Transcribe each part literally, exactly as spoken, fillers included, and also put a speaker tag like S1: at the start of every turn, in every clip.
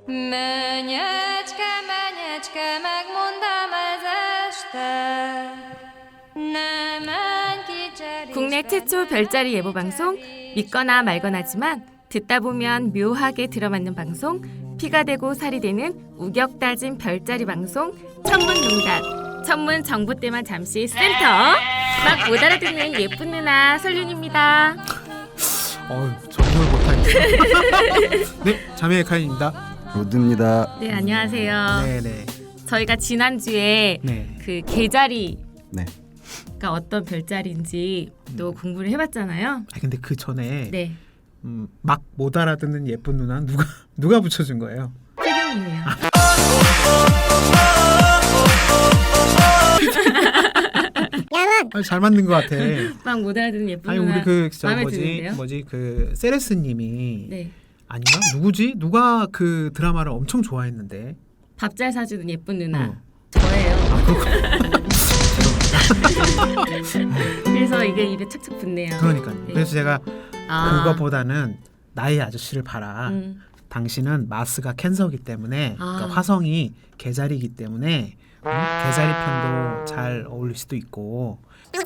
S1: Mennyecske, mennyecske, megmondám ez este. Ne menj ki cserészbe.
S2: 국내 최초 별자리 예보 방송 믿거나 말거나지만 듣다 보면 묘하게 들어맞는 방송 피가 되고 살이 되는 우격다진 별자리 방송 천문농단 천문 정보 때만 잠시 센터 막 못 알아듣는 예쁜 누나 설윤입니다.
S3: 어휴, 적응을 못하겠어. 네, 자매의 카인입니다.
S4: 로드입니다.
S2: 네 안녕하세요.
S3: 네네.
S2: 저희가 지난주에
S3: 네.
S2: 그 개자리가
S4: 네.
S2: 어떤 별자리인지 또 공부를 해봤잖아요.
S3: 아 근데 그 전에
S2: 네
S3: 음, 막 못 알아듣는 예쁜 누나 누가 누가 붙여준 거예요?
S2: 설윤이에요.
S3: 아, 잘 만든 것 같아.
S2: 막 못 알아듣는 예쁜
S3: 아니
S2: 누나
S3: 우리 그저
S2: 마음에
S3: 뭐지
S2: 드는데요?
S3: 뭐지 그 세레스님이
S2: 네.
S3: 아닌가 누구지 누가 그 드라마를 엄청 좋아했는데.
S2: 밥 잘 사주는 예쁜 누나
S3: 어.
S2: 저예요.
S3: 아 그렇고.
S2: 그래서 이게 입에 착착 붙네요.
S3: 그러니까요.
S2: 네.
S3: 그래서 제가
S2: 아.
S3: 그거보다는 나의 아저씨를 봐라.
S2: 음.
S3: 당신은 마스가 캔서이기 때문에
S2: 아.
S3: 그러니까 화성이 개자리이기 때문에 음, 개자리 편도 잘 어울릴 수도 있고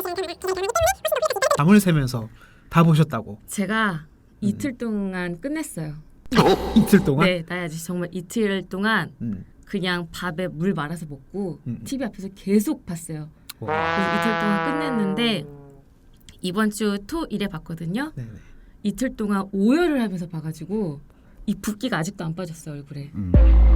S3: 밤을 새면서 다 보셨다고.
S2: 제가 이틀 동안 끝냈어요.
S3: 이틀 동안?
S2: 네, 나의 아저씨 정말 이틀 동안
S3: 음.
S2: 그냥 밥에 물 말아서 먹고
S3: 음.
S2: 티비 앞에서 계속 봤어요.
S3: 와.
S2: 그래서 이틀 동안 끝냈는데 이번 주 토일에 봤거든요.
S3: 네네.
S2: 이틀 동안 오열을 하면서 봐가지고 이 붓기가 아직도 안 빠졌어요 얼굴에.
S4: 음.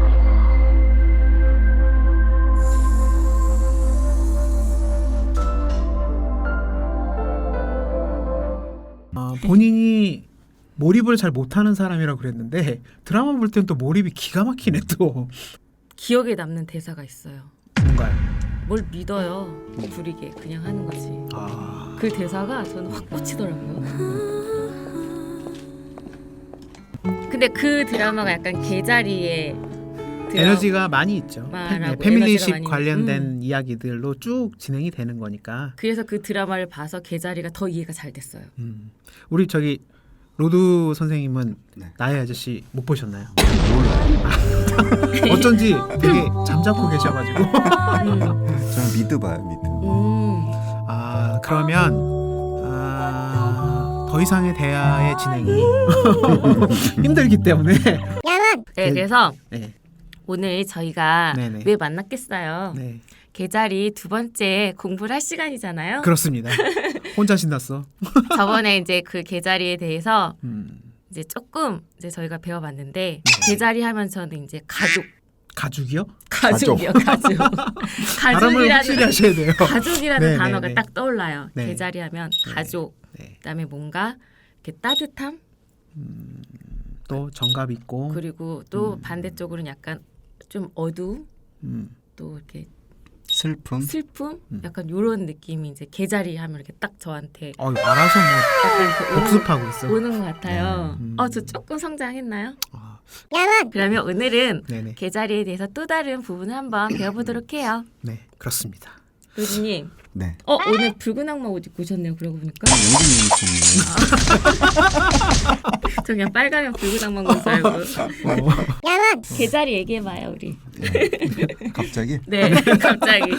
S3: 어, 본인이 몰입을 잘 못하는 사람이라고 그랬는데 드라마 볼 땐 또 몰입이 기가 막히네 또.
S2: 기억에 남는 대사가 있어요.
S3: 뭔가요?
S2: 뭘 믿어요. 부리게 그냥 하는 거지.
S3: 아.
S2: 그 대사가 저는 확 꽂히더라고요. 근데 그 드라마가 약간 개자리의 드라마-
S3: 에너지가 많이 있죠.
S2: 말하고
S3: 패,
S2: 에너지가
S3: 패밀리십
S2: 많이-
S3: 관련된
S2: 음.
S3: 이야기들로 쭉 진행이 되는 거니까.
S2: 그래서 그 드라마를 봐서 개자리가 더 이해가 잘 됐어요.
S3: 음. 우리 저기 로드 선생님은
S4: 네.
S3: 나의 아저씨 못 보셨나요?
S4: 몰라요.
S3: 어쩐지 되게 잠자코 계셔가지고.
S4: 저는 미드 봐요, 미드.
S2: 음.
S3: 아 그러면 아, 더 이상의 대화의 진행이 힘들기 때문에.
S2: 네, 그래서
S3: 네,
S2: 오늘 저희가
S3: 네네.
S2: 왜 만났겠어요?
S3: 네,
S2: 개자리 두 번째 공부를 할 시간이잖아요.
S3: 그렇습니다. 혼자 신났어.
S2: 저번에 이제 그 개자리에 대해서
S3: 음,
S2: 이제 조금 이제 저희가 배워봤는데
S3: 네.
S2: 개자리 하면 저는 이제 가족,
S3: 가죽이요?
S2: 가족이요, 가족.
S3: 발음을 확실히 하셔야 돼요.
S2: 가족이라는
S3: 네,
S2: 단어가
S3: 네, 네.
S2: 딱 떠올라요.
S3: 네.
S2: 개자리 하면
S3: 네.
S2: 가족.
S3: 네.
S2: 그다음에 뭔가 이렇게 따뜻함
S3: 또 정갑 있고.
S2: 그리고 또 반대쪽으로는 약간 좀 어두움
S3: 음,
S2: 또 이렇게
S4: 슬픔.
S2: 슬픔
S3: 음.
S2: 약간 요런 느낌이 이제 개자리 하면 이렇게 딱 저한테
S3: 어, 알아서 뭐
S2: 약간 그 오는,
S3: 복습하고 있어.
S2: 오는 것 같아요.
S3: 네. 음.
S2: 어, 저 조금 성장했나요?
S3: 아,
S2: 그러면 오늘은
S3: 네네,
S2: 개자리에 대해서 또 다른 부분을 한번 배워보도록 해요.
S3: 네, 그렇습니다.
S2: 로즈님,
S4: 네.
S2: 어 오늘 붉은 악마 옷 입고 오셨네요. 그러고 보니까
S4: 연기님 좀.
S2: 저 그냥 빨가면 붉은 악마 옷 알고.
S3: 어,
S2: 개자리 얘기해봐요 우리.
S4: 갑자기?
S2: 네, 갑자기.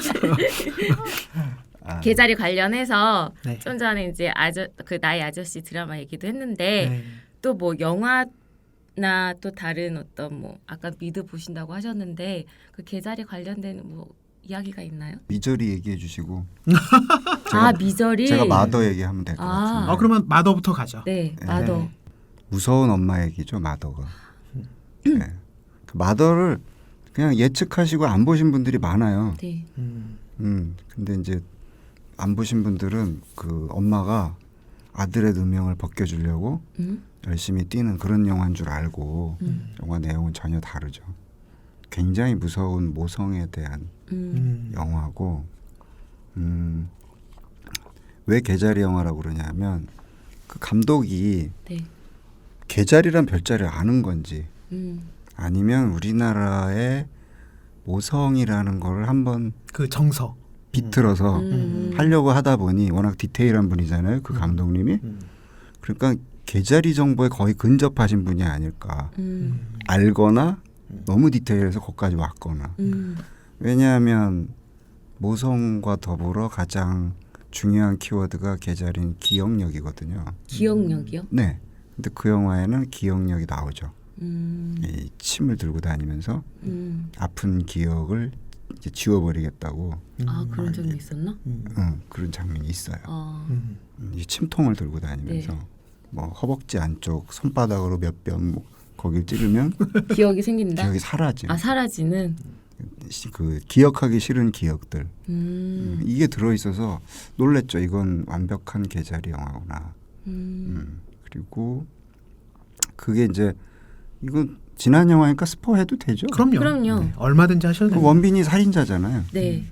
S4: 아,
S2: 개자리 관련해서
S3: 네.
S2: 좀 전에 이제 아저 그 나의 아저씨 드라마 얘기도 했는데
S3: 네.
S2: 또 뭐 영화나 또 다른 어떤 뭐 아까 미드 보신다고 하셨는데 그 개자리 관련된 뭐 이야기가 있나요?
S4: 미저리 얘기해 주시고
S2: 아 미저리.
S4: 제가 마더 얘기하면 될 것
S2: 아.
S4: 같은데.
S3: 어 그러면 마더부터 가죠.
S2: 네, 마더.
S3: 네.
S4: 무서운 엄마 얘기죠, 마더가. 네. 그 마더를 그냥 예측하시고 안 보신 분들이 많아요.
S2: 네.
S3: 음,
S4: 음. 근데 이제 안 보신 분들은 그 엄마가 아들의 누명을 벗겨주려고
S2: 음?
S4: 열심히 뛰는 그런 영화인 줄 알고
S2: 음.
S4: 영화 내용은 전혀 다르죠. 굉장히 무서운 모성에 대한
S2: 음.
S3: 음,
S4: 영화고 음, 왜 개자리 영화라고 그러냐면 그 감독이
S2: 네.
S4: 개자리란 별자리를 아는 건지
S2: 음.
S4: 아니면 우리나라의 모성이라는 거를 한번
S3: 그 정서.
S4: 비틀어서
S2: 음.
S4: 하려고 하다 보니 워낙 디테일한 분이잖아요. 그 감독님이.
S3: 음,
S4: 그러니까 개자리 정보에 거의 근접하신 분이 아닐까.
S2: 음.
S4: 알거나 너무 디테일해서 거기까지 왔거나.
S2: 음.
S4: 왜냐하면 모성과 더불어 가장 중요한 키워드가 계절인 기억력이거든요.
S2: 기억력이요?
S4: 네. 근데 그 영화에는 기억력이 나오죠.
S2: 음.
S4: 이 침을 들고 다니면서
S2: 음.
S4: 아픈 기억을 이제 지워버리겠다고
S2: 아 그런 점이 있었나?
S3: 음.
S4: 응, 그런 장면이 있어요.
S2: 아.
S3: 음.
S4: 이 침통을 들고 다니면서
S2: 네.
S4: 뭐 허벅지 안쪽 손바닥으로 몇 뼘 뭐 거길 찌르면
S2: 기억이 생긴다.
S4: 기억이 사라져.
S2: 아 사라지는.
S4: 그 기억하기 싫은 기억들
S2: 음.
S4: 음, 이게 들어있어서 놀랬죠. 이건 완벽한 계자리 영화구나.
S2: 음.
S4: 음, 그리고 그게 이제 이건 지난 영화니까 스포해도 되죠.
S3: 그럼요.
S2: 그럼요.
S3: 네, 얼마든지 하셔도
S4: 그
S3: 돼요.
S4: 원빈이 살인자잖아요.
S2: 네.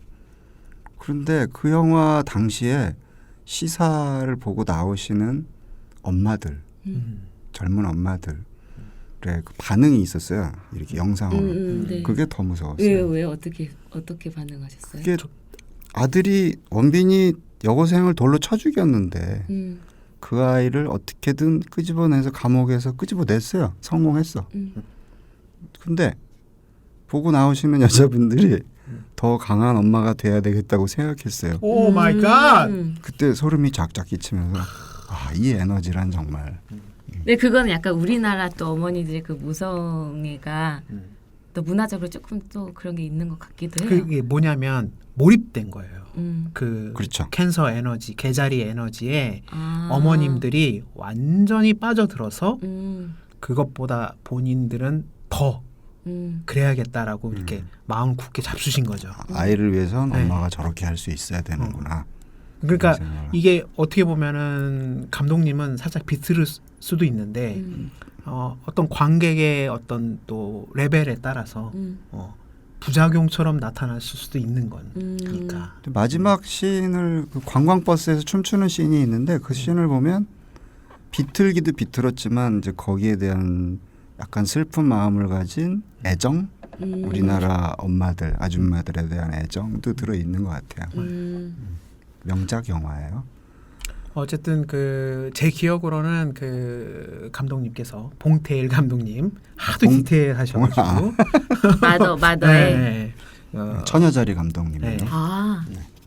S4: 그런데 그 영화 당시에 시사를 보고 나오시는 엄마들,
S3: 음.
S4: 젊은 엄마들의 그 반응이 있었어요. 이렇게 영상으로.
S2: 음, 음, 네.
S4: 그게 더 무서웠어요.
S2: 왜요? 왜 어떻게 어떻게 반응하셨어요?
S4: 그게 아들이 원빈이 여고생을 돌로 쳐 죽였는데
S2: 음.
S4: 그 아이를 어떻게든 끄집어내서 감옥에서 끄집어냈어요. 성공했어.
S2: 음.
S4: 근데 보고 나오시는 여자분들이 더 강한 엄마가 돼야 되겠다고 생각했어요.
S3: 오 마이 갓.
S2: 음.
S4: 그때 소름이 쫙쫙 끼치면서 아, 이 에너지란 정말
S2: 네, 그거는 약간 우리나라 또 어머니들의 그 무성애가
S3: 음.
S2: 또 문화적으로 조금 또 그런 게 있는 것 같기도 해요.
S3: 그게 뭐냐면 몰입된 거예요.
S2: 음.
S3: 그
S4: 그렇죠.
S3: 캔서 에너지, 계자리 에너지에
S2: 아.
S3: 어머님들이 완전히 빠져들어서
S2: 음.
S3: 그것보다 본인들은 더
S2: 음.
S3: 그래야겠다라고 이렇게 마음 굳게 잡수신 거죠.
S4: 아이를 위해선
S3: 네.
S4: 엄마가 저렇게 할 수 있어야 되는구나.
S3: 그러니까
S4: 그런 생각을.
S3: 이게 어떻게 보면은 감독님은 살짝 비틀을 수- 수도 있는데
S2: 음.
S3: 어, 어떤 관객의 어떤 또 레벨에 따라서
S2: 음.
S3: 어, 부작용처럼 나타날 수도 있는 건
S2: 음.
S3: 그러니까
S4: 근데 마지막 씬을 그 관광버스에서 춤추는 씬이 있는데 그 씬을 보면 비틀기도 비틀었지만 이제 거기에 대한 약간 슬픈 마음을 가진 애정,
S2: 음.
S4: 우리나라 엄마들, 아줌마들에 대한 애정도 들어 있는 것 같아요.
S2: 음.
S4: 명작 영화예요.
S3: 어쨌든 그 제 기억으로는 그 감독님께서 봉태일 감독님 하도
S4: 봉-
S3: 디테일하셔가지고
S2: 마더 마더의
S3: 네. 어,
S4: 처녀자리 감독님이에요.
S3: 네.
S2: 아.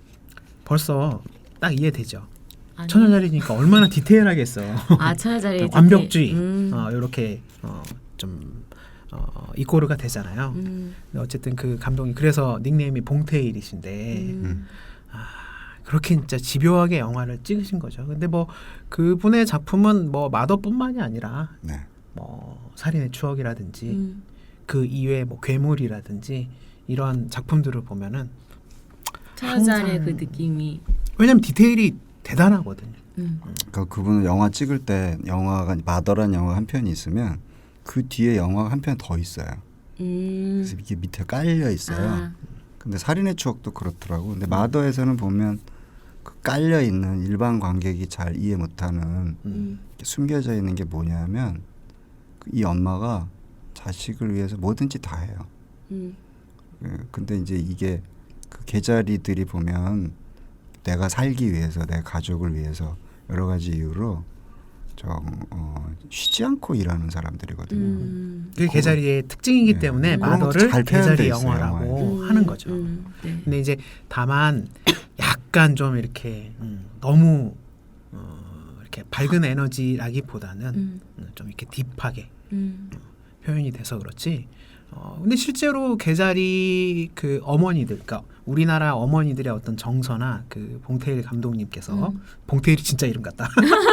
S3: 벌써 딱 이해되죠.
S2: 아니.
S3: 처녀자리니까 얼마나 디테일하겠어.
S2: 아 처녀자리
S3: 완벽주의
S2: 음.
S3: 어, 이렇게 어, 좀 어, 이꼬르가 되잖아요.
S2: 음.
S3: 근데 어쨌든 그 감독이 그래서 닉네임이 봉태일이신데
S2: 음.
S3: 그렇게 진짜 집요하게 영화를 찍으신 거죠. 근데 뭐 그분의 작품은 뭐 마더뿐만이 아니라
S4: 네.
S3: 뭐 살인의 추억이라든지
S2: 음.
S3: 그 이외에 뭐 괴물이라든지 이러한 작품들을 보면은
S2: 처녀자리의
S3: 항상-
S2: 그 느낌이.
S3: 왜냐면 디테일이 대단하거든요.
S2: 음.
S4: 그 그분은 영화 찍을 때 영화가 마더란 영화 한 편이 있으면 그 뒤에 영화 한 편 더 있어요.
S2: 음.
S4: 그래서 이게 밑에 깔려 있어요.
S2: 아.
S4: 근데 살인의 추억도 그렇더라고. 근데 마더에서는 보면 그 깔려 있는 일반 관객이 잘 이해 못하는
S2: 음.
S4: 숨겨져 있는 게 뭐냐면 이 엄마가 자식을 위해서 뭐든지 다 해요.
S2: 음.
S4: 예, 근데 이제 이게 그 계자리들이 보면 내가 살기 위해서 내 가족을 위해서 여러 가지 이유로 좀 어, 쉬지 않고 일하는 사람들이거든요.
S2: 음.
S3: 그게 계자리의 특징이기
S4: 네.
S3: 때문에
S2: 음.
S3: 마더를
S4: 잘 표현돼
S3: 계자리
S4: 있어요,
S3: 영화라고
S2: 음.
S3: 하는 거죠.
S2: 음. 네.
S3: 근데 이제 다만 약간 좀 이렇게 음, 너무 어, 이렇게 밝은 에너지라기보다는
S2: 음.
S3: 음, 좀 이렇게 딥하게
S2: 음.
S3: 표현이 돼서 그렇지. 어, 근데 실제로 계자리 그 어머니들, 그러니까 우리나라 어머니들의 어떤 정서나 그 봉태일 감독님께서
S2: 음.
S3: 봉태일이 진짜 이름 같다.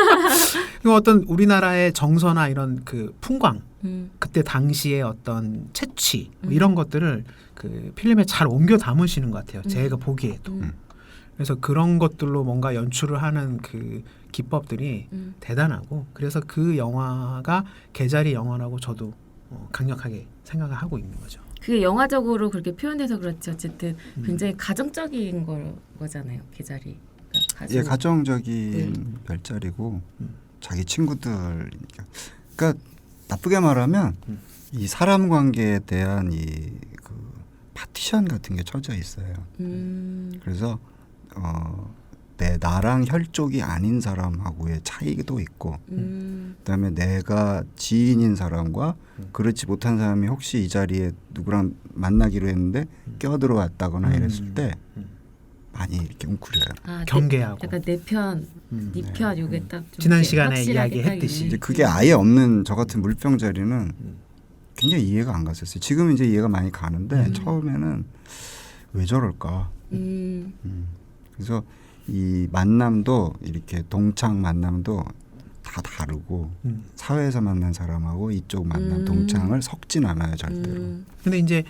S3: 그 어떤 우리나라의 정서나 이런 그 풍광,
S2: 음.
S3: 그때 당시의 어떤 채취 뭐
S2: 음.
S3: 이런 것들을 그 필름에 잘 옮겨 담으시는 것 같아요.
S2: 음.
S3: 제가 보기에도.
S2: 음.
S3: 그래서 그런 것들로 뭔가 연출을 하는 그 기법들이
S2: 음.
S3: 대단하고 그래서 그 영화가 계자리 영화라고 저도 어, 강력하게 생각을 하고 있는 거죠.
S2: 그게 영화적으로 그렇게 표현돼서 그렇지 어쨌든
S3: 음.
S2: 굉장히 가정적인 거, 거잖아요. 계자리. 그러니까 가족.
S4: 예, 가정적인
S2: 음.
S4: 별자리고
S3: 음.
S4: 자기 친구들이니까. 그러니까 나쁘게 말하면
S3: 음.
S4: 이 사람 관계에 대한 이 그 파티션 같은 게 쳐져 있어요.
S2: 음.
S4: 그래서 어, 내 나랑 혈족이 아닌 사람하고의 차이도 있고
S2: 음.
S4: 그다음에 내가 지인인 사람과 그렇지 못한 사람이 혹시 이 자리에 누구랑 만나기로 했는데 껴들어왔다거나
S3: 음.
S4: 이랬을 때
S3: 음.
S4: 많이 이렇게 웅크려요.
S2: 아,
S3: 경계하고.
S2: 내, 약간 내 편,
S3: 음.
S2: 네 편 요게 딱 좀
S3: 지난
S2: 이렇게
S3: 시간에
S2: 확실하게
S3: 이야기했듯이.
S2: 딱
S4: 이제
S2: 있네.
S4: 그게 아예 없는 저 같은 물병 자리는
S3: 음.
S4: 굉장히 이해가 안 갔었어요. 지금 이제 이해가 많이 가는데
S2: 음.
S4: 처음에는 왜 저럴까?
S2: 음.
S4: 음. 그래서 이 만남도 이렇게 동창 만남도 다 다르고
S3: 음.
S4: 사회에서 만난 사람하고 이쪽 만남
S2: 음.
S4: 동창을 섞진 않아요 절대로.
S2: 음.
S3: 근데 이제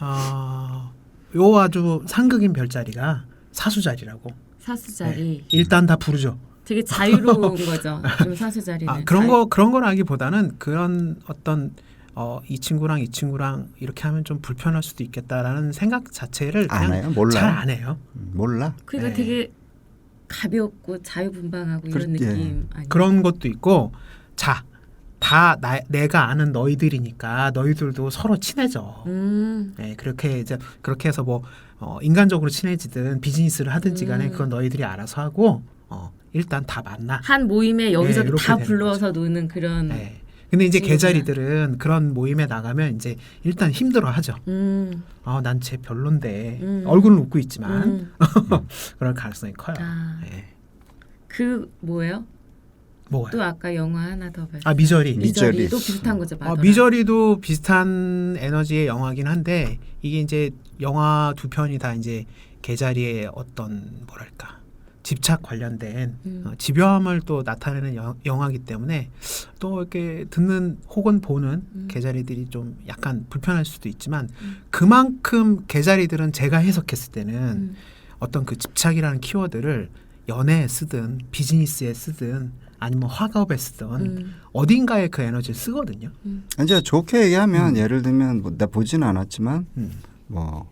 S3: 어, 요 아주 상극인 별자리가 사수자리라고.
S2: 사수 자리.
S3: 네. 일단 다 부르죠.
S2: 되게 자유로운 거죠. 좀 사수 자리는.
S3: 아, 그런
S2: 자유-
S3: 거 그런 거라기보다는 그런 어떤 어, 이 친구랑 이 친구랑 이렇게 하면 좀 불편할 수도 있겠다라는 생각 자체를
S4: 안
S3: 그냥
S4: 해요? 몰라요?
S3: 잘 안 해요.
S4: 음, 몰라.
S2: 그러니까
S3: 네.
S2: 되게 가볍고 자유분방하고 이런
S4: 그렇- 예.
S2: 느낌 아니에요?
S3: 그런 것도 있고 자, 다 나, 내가 아는 너희들이니까 너희들도 서로 친해져.
S2: 음.
S3: 네, 그렇게 이제 그렇게 해서 뭐 어, 인간적으로 친해지든 비즈니스를 하든지 간에
S2: 음.
S3: 그건 너희들이 알아서 하고 어, 일단 다 만나.
S2: 한 모임에 여기저기
S3: 네, 이렇게
S2: 다
S3: 되는
S2: 불러서 노는 그런.
S3: 네. 근데 이제
S2: 친구구나.
S3: 개자리들은 그런 모임에 나가면 이제 일단 힘들어하죠.
S2: 음.
S3: 아, 난 쟤 별론데
S2: 음.
S3: 얼굴은 웃고 있지만
S2: 음.
S3: 그럴 가능성이 커요.
S2: 아.
S3: 네.
S2: 그 뭐예요?
S3: 뭐가요?
S2: 또 아까 영화 하나 더 봤어요.
S3: 아, 미저리.
S2: 미저리.
S4: 미저리.
S2: 또 비슷한 거죠.
S3: 어,
S2: 마더라.
S3: 미저리도 비슷한 에너지의 영화긴 한데 이게 이제 영화 두 편이 다 이제 개자리의 어떤 뭐랄까 집착 관련된
S2: 음.
S3: 어, 집요함을 또 나타내는 여, 영화이기 때문에 또 이렇게 듣는 혹은 보는
S2: 음.
S3: 개자리들이 좀 약간 불편할 수도 있지만
S2: 음.
S3: 그만큼 개자리들은 제가 해석했을 때는
S2: 음.
S3: 어떤 그 집착이라는 키워드를 연애에 쓰든 비즈니스에 쓰든 아니면 화가업에 쓰든
S2: 음.
S3: 어딘가에 그 에너지를 쓰거든요.
S2: 음.
S4: 이제 좋게 얘기하면
S3: 음.
S4: 예를 들면 뭐, 나 보지는 않았지만
S3: 음.
S4: 뭐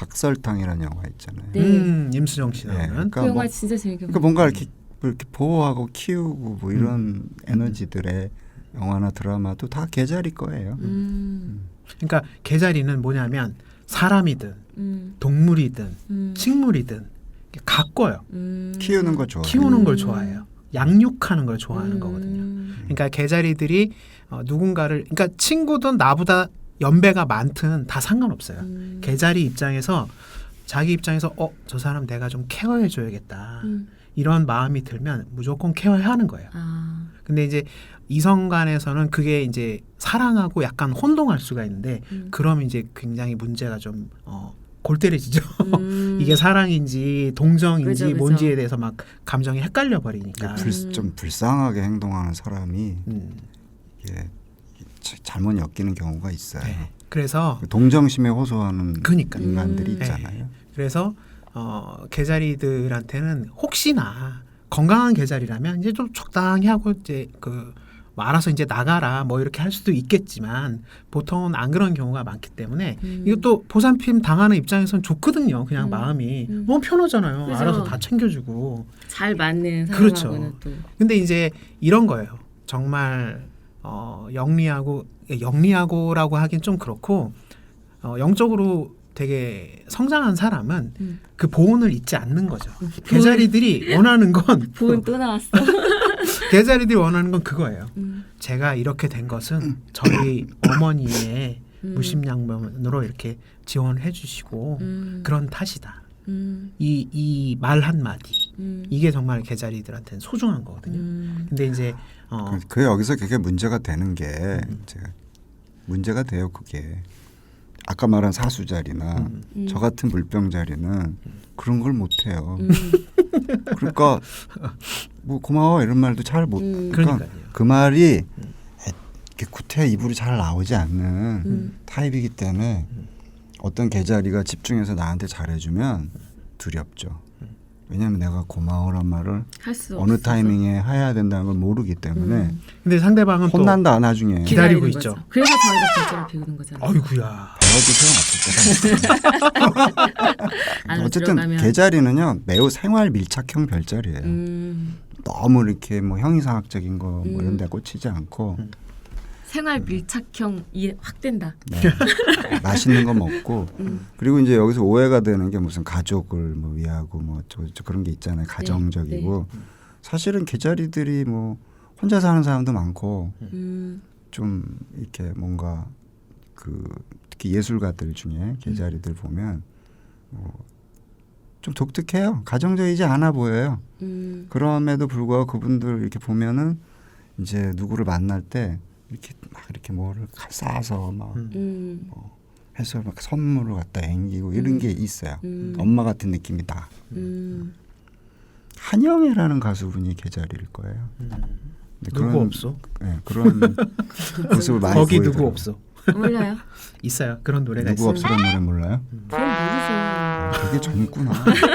S4: 각설탕이라는 영화 있잖아요.
S2: 네.
S3: 음, 임수정 씨
S4: 네,
S3: 나오는.
S4: 그러니까
S2: 그 영화
S4: 뭐-
S2: 진짜 재밌게
S4: 그러니까
S2: 봤어요.
S4: 뭔가 이렇게, 뭐 이렇게 보호하고 키우고 뭐 이런
S3: 음.
S4: 에너지들의 영화나 드라마도 다 개자리 거예요.
S2: 음.
S3: 그러니까 개자리는 뭐냐면 사람이든
S2: 음.
S3: 동물이든
S2: 음.
S3: 식물이든 이렇게 가꿔요.
S2: 음.
S4: 키우는 거 좋아해요.
S3: 키우는 걸
S2: 음.
S3: 좋아해요. 양육하는 걸 좋아하는
S2: 음.
S3: 거거든요. 그러니까 개자리들이 어, 누군가를 그러니까 친구든 나보다 연배가 많든 다 상관없어요.
S2: 음.
S3: 개자리 입장에서 자기 입장에서 어, 저 사람 내가 좀 케어해 줘야겠다.
S2: 음.
S3: 이런 마음이 들면 무조건 케어해야 하는 거예요.
S2: 아.
S3: 근데 이제 이성 간에서는 그게 이제 사랑하고 약간 혼동할 수가 있는데
S2: 음.
S3: 그럼 이제 굉장히 문제가 좀 어, 골때려지죠.
S2: 음.
S3: 이게 사랑인지 동정인지
S2: 그죠, 그죠.
S3: 뭔지에 대해서 막 감정이 헷갈려 버리니까.
S4: 불, 좀 불쌍하게 행동하는 사람이
S3: 음,
S4: 이게 자- 잘못 엮이는 경우가 있어요.
S3: 네. 그래서
S4: 동정심에 호소하는
S3: 그러니까요.
S4: 인간들이
S2: 음.
S4: 있잖아요.
S3: 그래서 어, 개자리들한테는 혹시나 건강한 개자리라면 이제 좀 적당히 하고 이제 그 뭐 알아서 이제 나가라 뭐 이렇게 할 수도 있겠지만 보통은 안 그런 경우가 많기 때문에
S2: 음.
S3: 이것도 보살핌 당하는 입장에서는 좋거든요. 그냥
S2: 음.
S3: 마음이
S2: 음.
S3: 너무 편하잖아요.
S2: 그죠.
S3: 알아서 다 챙겨주고.
S2: 잘 맞는
S3: 그렇죠.
S2: 사람하고는 또.
S3: 근데 이제 이런 거예요. 정말 어, 영리하고 영리하고라고 하긴 좀 그렇고 어, 영적으로 되게 성장한 사람은
S2: 음.
S3: 그 보온을 잊지 않는 거죠. 개자리들이 원하는 건
S2: 보은 또 나왔어.
S3: 개자리들이 원하는 건 그거예요.
S2: 음.
S3: 제가 이렇게 된 것은 저희 어머니의
S2: 음.
S3: 무심양면으로 이렇게 지원을 해주시고
S2: 음.
S3: 그런 탓이다.
S2: 음.
S3: 이 이 말 한마디
S2: 음.
S3: 이게 정말 개자리들한테는 소중한 거거든요.
S2: 음.
S3: 근데 이제 어,
S4: 그, 그 여기서 그게 문제가 되는 게
S3: 음.
S4: 제가 문제가 돼요. 그게 아까 말한 사수 자리나
S3: 음.
S2: 음.
S4: 저 같은 물병 자리는 그런 걸 못 해요.
S2: 음.
S4: 그러니까 뭐 고마워 이런 말도 잘 못.
S2: 음.
S4: 그러니까
S3: 그러니까요.
S4: 그 말이 이렇게 구태 입으로 잘 나오지 않는
S2: 음.
S4: 타입이기 때문에 어떤 개자리가 집중해서 나한테 잘해주면 두렵죠. 왜냐하면 내가 고마워란 말을
S2: 할 수 없어.
S4: 어느 타이밍에 해야 된다는 걸 모르기 때문에
S2: 음.
S3: 근데 상대방은 또
S4: 혼난다 나중에
S3: 기다리고
S2: 기다리는
S3: 있죠.
S2: 거죠. 그래서 저희가 진짜로 배우는 거잖아요.
S3: 어이구야.
S4: 배워도 소용없을 때가
S2: 안으로
S4: 어쨌든
S2: 들어가면.
S4: 개자리는요 매우 생활 밀착형 별자리예요.
S2: 음.
S4: 너무 이렇게 뭐 형이상학적인 거 뭐
S2: 음.
S4: 이런 데 꽂히지 않고
S3: 음.
S2: 생활 밀착형이 확 된다.
S4: 네. 맛있는 거 먹고
S2: 음.
S4: 그리고 이제 여기서 오해가 되는 게 무슨 가족을 뭐 위하고 뭐 저, 저 그런 게 있잖아요. 가정적이고
S2: 네.
S4: 사실은 개자리들이 뭐 혼자 사는 사람도 많고
S2: 음.
S4: 좀 이렇게 뭔가 그 특히 예술가들 중에 개자리들 보면 뭐 좀 독특해요. 가정적이지 않아 보여요.
S2: 음.
S4: 그럼에도 불구하고 그분들 이렇게 보면은 이제 누구를 만날 때 이렇게 막 이렇게 뭐를 싸서 막
S2: 음.
S4: 뭐 해서 막 선물을 갖다 앵기고 이런
S2: 음.
S4: 게 있어요.
S2: 음.
S4: 엄마 같은 느낌이 다.
S2: 음.
S4: 한영애라는 가수분이 개자리일 거예요. 근데
S3: 누구 없어?
S4: 네, 그런 모습을 많이
S3: 거기
S4: 보이더라고요.
S3: 누구 없어?
S2: 몰라요.
S3: 있어요. 그런 노래가
S4: 누구
S3: 있어요.
S4: 없으란 노래 몰라요?
S2: 그럼 모르죠.
S4: 되게 젊구나.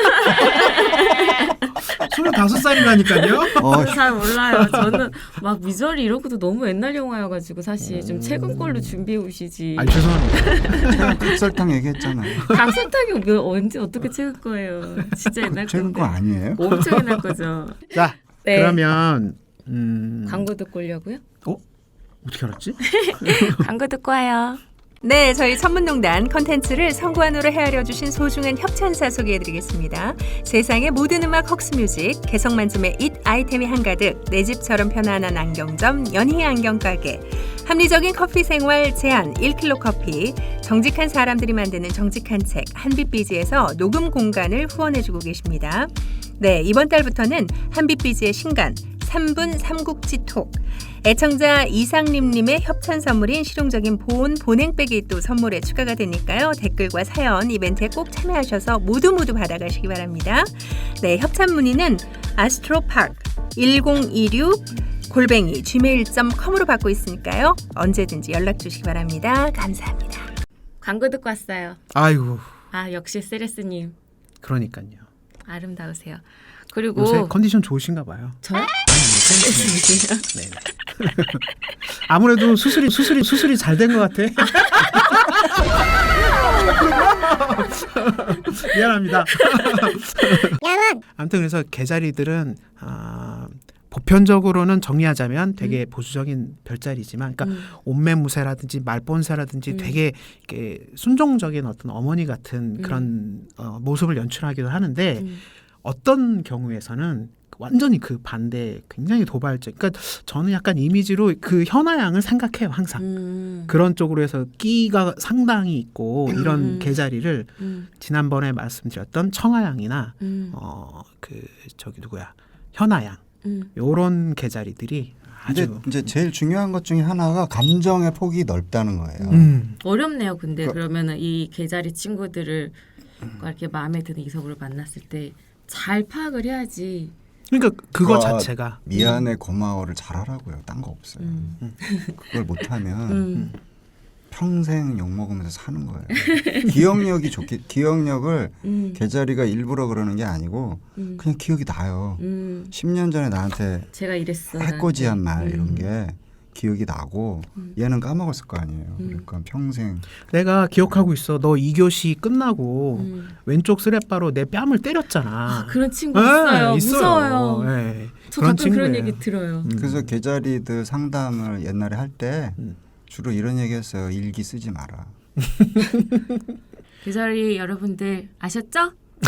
S3: 스물다섯 살이라니까요.
S4: 어,
S2: 잘 몰라요. 저는 막 미저리 이런 것도 너무 옛날 영화여가지고 사실 좀 최근 걸로 준비해 오시지.
S3: 아니 죄송합니다.
S4: 제가 각설탕 얘기했잖아요.
S2: 강선탁이 몇- 언제 어떻게 최근 거예요? 진짜 옛날
S4: 최근
S2: 건데.
S4: 거 아니에요?
S2: 엄청 옛날 거죠.
S3: 자
S2: 네.
S3: 그러면 음...
S2: 광고 듣고 오려고요?
S3: 어? 어떻게 알았지?
S2: 광고 듣고 와요.
S5: 네, 저희 천문농단 컨텐츠를 성관으로 헤아려 주신 소중한 협찬사 소개해드리겠습니다. 세상의 모든 음악 헉스뮤직, 개성 만점의 잇 아이템이 한가득, 내 집처럼 편안한 안경점 연희 안경가게, 합리적인 커피 생활 제한 일 킬로그램 커피, 정직한 사람들이 만드는 정직한 책 한빛비지에서 녹음 공간을 후원해주고 계십니다. 네, 이번 달부터는 한빛비지의 신간 삼 분 삼국지 톡, 애청자 이상림님의 협찬 선물인 실용적인 보온 보냉백이 또 선물에 추가가 되니까요. 댓글과 사연 이벤트에 꼭 참여하셔서 모두 모두 받아가시기 바랍니다. 네, 협찬 문의는 astropark 일공이육 골뱅이 지메일 닷컴으로 받고 있으니까요. 언제든지 연락 주시기 바랍니다. 감사합니다.
S2: 광고 듣고 왔어요.
S3: 아이고
S2: 아 역시 세레스님
S3: 그러니까요.
S2: 아름다우세요. 그리고
S3: 요새 컨디션 좋으신가 봐요.
S2: 저요?
S3: 세레스님이요? 네. 아무래도 수술이 수술이 수술이 잘 된 것 같아. 미안합니다. 아무튼 그래서 개자리들은 아, 보편적으로는 정리하자면 되게 보수적인 별자리지만, 그러니까
S2: 음.
S3: 옴매무새라든지 말본새라든지
S2: 음.
S3: 되게 이렇게 순종적인 어떤 어머니 같은 그런 어, 모습을 연출하기도 하는데
S2: 음.
S3: 어떤 경우에서는 완전히 그 반대, 굉장히 도발적. 그러니까 저는 약간 이미지로 그 현아양을 생각해요 항상.
S2: 음.
S3: 그런 쪽으로 해서 끼가 상당히 있고 이런
S2: 음.
S3: 개자리를
S2: 음.
S3: 지난번에 말씀드렸던 청아양이나
S2: 음.
S3: 어 그 저기 누구야 현아양
S2: 음.
S3: 요런 개자리들이
S4: 근데
S3: 아주
S4: 이제 제일 중요한 것 중에 하나가 감정의 폭이 넓다는 거예요.
S3: 음.
S2: 어렵네요. 근데
S4: 그-
S2: 그러면은 이 개자리 친구들을 이렇게 마음에 드는 이성으로 만났을 때 잘 파악을 해야지.
S3: 그러니까 그거
S4: 그거
S3: 자체가
S4: 미안해 고마워를 잘하라고요. 딴 거 없어요.
S2: 음.
S4: 그걸 못하면
S2: 음.
S4: 평생 욕 먹으면서 사는 거예요. 기억력이 좋게 기억력을
S2: 음.
S4: 개자리가 일부러 그러는 게 아니고
S2: 음.
S4: 그냥 기억이 나요.
S2: 음.
S4: 십 년 전에 나한테
S2: 제가 이랬어.
S4: 해코지한 말
S2: 나한테.
S4: 이런
S2: 음.
S4: 게 기억이 나고
S2: 음.
S4: 얘는 까먹었을 거 아니에요.
S2: 음.
S4: 그러니까 평생
S3: 내가 기억하고 있어. 너 이 교시 끝나고
S2: 음.
S3: 왼쪽 스레바로 내 뺨을 때렸잖아.
S2: 아, 그런 친구
S3: 네,
S2: 있어요. 무서워요.
S3: 네.
S2: 저
S3: 그런
S2: 가끔 그런
S3: 친구예요.
S2: 얘기 들어요.
S3: 음.
S4: 그래서 개자리들 상담을 옛날에 할 때
S3: 음.
S4: 주로 이런 얘기했어요. 일기 쓰지 마라.
S2: 개자리 여러분들 아셨죠?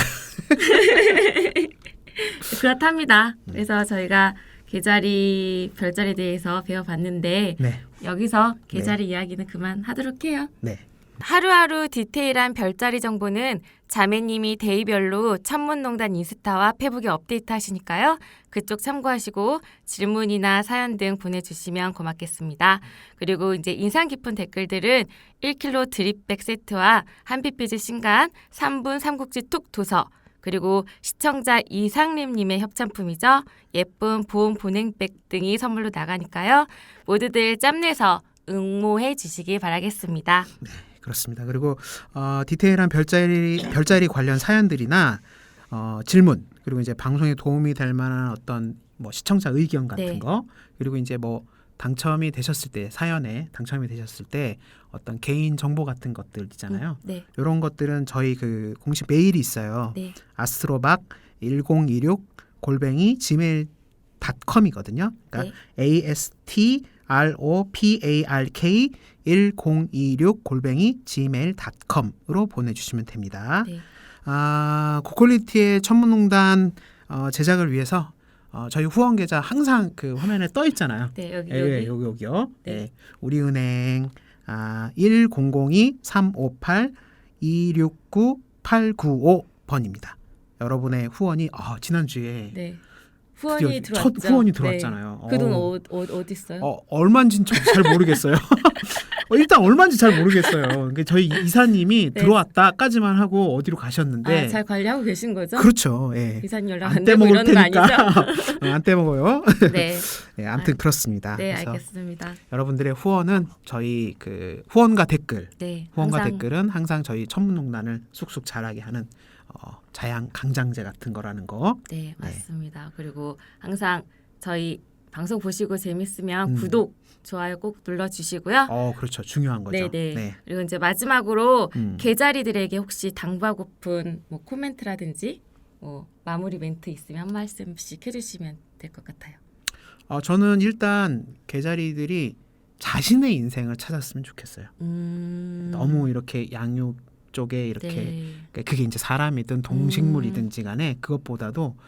S2: 그렇답니다. 그래서 저희가 개자리 별자리에 대해서 배워봤는데
S3: 네.
S2: 여기서 개자리 이야기는 그만하도록 해요.
S3: 네.
S2: 하루하루 디테일한 별자리 정보는 자매님이 데이별로 천문농단 인스타와 페북에 업데이트 하시니까요. 그쪽 참고하시고 질문이나 사연 등 보내주시면 고맙겠습니다. 그리고 이제 인상 깊은 댓글들은 일 킬로그램 드립백 세트와 한빛비즈 신간 삼 분 삼국지 툭 도서, 그리고 시청자 이상림님의 협찬품이죠. 예쁜 보온 보냉백 등이 선물로 나가니까요. 모두들 짬내서 응모해 주시기 바라겠습니다.
S3: 그렇습니다. 그리고 어, 디테일한 별자리 별자리 관련 사연들이나 어, 질문, 그리고 이제 방송에 도움이 될 만한 어떤 뭐 시청자 의견 같은
S2: 네.
S3: 거, 그리고 이제 뭐 당첨이 되셨을 때, 사연에 당첨이 되셨을 때 어떤 개인 정보 같은 것들 있잖아요.
S2: 네.
S3: 이런 것들은 저희 그 공식 메일이 있어요.
S2: 네.
S3: 아스트로박 일공이육 골뱅이 지메일 닷컴이거든요. 그러니까
S2: 네.
S3: 에이에스티 알 오 피 에이 알 케이 일공이육 골뱅이 지메일 닷컴으로 보내주시면 됩니다.
S2: 네.
S3: 아, 고퀄리티의 천문농단 어, 제작을 위해서 어, 저희 후원 계좌 항상 그 화면에 떠 있잖아요.
S2: 네, 여기
S3: 예,
S2: 여기.
S3: 여기 여기요.
S2: 네.
S3: 네. 우리은행 아, 일공공이 삼오팔 이육구 팔구오 번입니다. 여러분의 후원이 어, 지난주에
S2: 네. 후원이
S3: 드디어
S2: 들어왔죠.
S3: 첫 후원이 들어왔잖아요.
S2: 네. 그돈
S3: 어우.
S2: 어, 어, 어디 있어요?
S3: 어, 얼마인지는 저도 잘 모르겠어요. 어, 일단 얼마인지 잘 모르겠어요. 그러니까 저희 이사님이
S2: 네.
S3: 들어왔다까지만 하고 어디로 가셨는데
S2: 아, 잘 관리하고 계신 거죠?
S3: 그렇죠. 예.
S2: 이사님 연락
S3: 안
S2: 안 되고
S3: 떼먹을
S2: 이러는 거
S3: 테니까
S2: 아니죠?
S3: 어, 안 떼먹어요.
S2: 네.
S3: 네, 아무튼
S2: 아,
S3: 그렇습니다.
S2: 네,
S3: 그래서
S2: 알겠습니다.
S3: 여러분들의 후원은 저희 그 후원과 댓글,
S2: 네.
S3: 후원과
S2: 항상
S3: 댓글은 항상 저희 천문농단을 쑥쑥 자라게 하는 어, 자양 강장제 같은 거라는 거.
S2: 네, 맞습니다. 그리고 항상 저희 방송 보시고 재밌으면
S3: 음.
S2: 구독, 좋아요 꼭 눌러 주시고요.
S3: 어, 그렇죠. 중요한 거죠.
S2: 네, 네. 그리고 이제 마지막으로
S3: 음.
S2: 개자리들에게 혹시 당부하고픈 뭐 코멘트라든지 뭐 마무리 멘트 있으면 한 말씀씩 해주시면 될 것 같아요.
S3: 어, 저는 일단 개자리들이 자신의 인생을 찾았으면 좋겠어요.
S2: 음...
S3: 너무 이렇게 양육 쪽에 이렇게
S2: 네.
S3: 그러니까 그게 이제 사람이든 동식물이든지 간에 그것보다도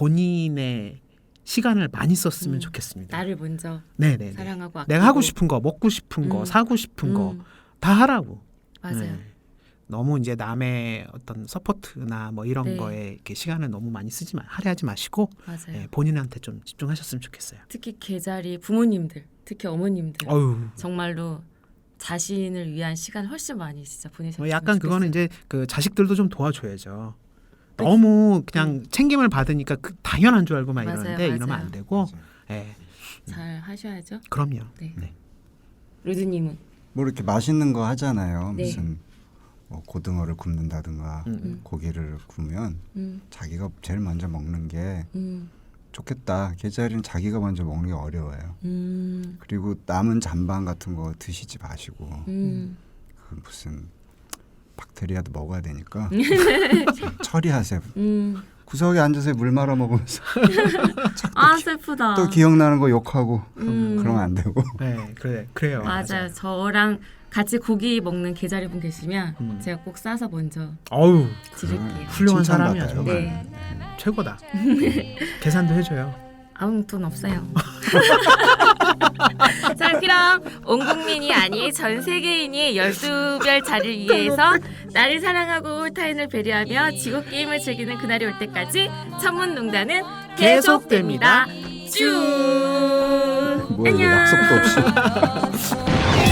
S3: 본인의 시간을 많이 썼으면
S2: 음,
S3: 좋겠습니다.
S2: 나를 먼저
S3: 네네.
S2: 사랑하고
S3: 내가
S2: 아끼고.
S3: 하고 싶은 거, 먹고 싶은 거,
S2: 음.
S3: 사고 싶은 거
S2: 음,
S3: 다 하라고.
S2: 맞아요.
S3: 네. 너무 이제 남의 어떤 서포트나 뭐 이런
S2: 네.
S3: 거에 이렇게 시간을 너무 많이 쓰지 마, 할애하지 마시고
S2: 맞아요.
S3: 네, 본인한테 좀 집중하셨으면 좋겠어요.
S2: 특히 개자리 부모님들, 특히 어머님들
S3: 어유.
S2: 정말로 자신을 위한 시간 훨씬 많이 진짜 보내셨으면
S3: 뭐 약간 그거는
S2: 좋겠어요.
S3: 이제 그 자식들도 좀 도와줘야죠. 너무 그냥 챙김을 받으니까 그 당연한 줄 알고 막
S2: 맞아요,
S3: 이러는데 이러면
S2: 맞아요.
S3: 안 되고, 예,
S2: 잘 하셔야죠.
S3: 그럼요.
S2: 네.
S3: 네.
S2: 루드님은
S4: 뭐 이렇게 맛있는 거 하잖아요.
S2: 네.
S4: 무슨 뭐 고등어를 굽는다든가
S3: 음, 음.
S4: 고기를 구우면
S2: 음,
S4: 자기가 제일 먼저 먹는 게
S2: 음,
S4: 좋겠다. 개자리는 자기가 먼저 먹는 게 어려워요.
S2: 음,
S4: 그리고 남은 잔반 같은 거 드시지 마시고
S2: 음.
S4: 그 무슨 박테리아도 먹어야 되니까 처리하세요.
S2: 음.
S4: 구석에 앉아서 물 말아 먹으면서
S2: 아 슬프다.
S4: 또 기억나는 거 욕하고
S2: 음.
S4: 그러면 안 되고.
S3: 네, 그래, 그래요.
S2: 맞아요. 저랑 같이 고기 먹는 개자리 분 계시면
S3: 음.
S2: 제가 꼭 싸서 먼저
S3: 어우,
S2: 드릴게요.
S3: 훌륭한
S4: 칭찬받아요.
S3: 사람이야 정말.
S2: 네.
S3: 최고다. 계산도 해줘요.
S2: 아무 돈 없어요. 자 그럼 온 국민이 아닌 전 세계인이 열두 별 자리를 위해서 나를 사랑하고 타인을 배려하며 지구 게임을 즐기는 그날이 올 때까지 천문농단은 계속됩니다. 쭉.
S4: 뭐야 이거 약속도 없이.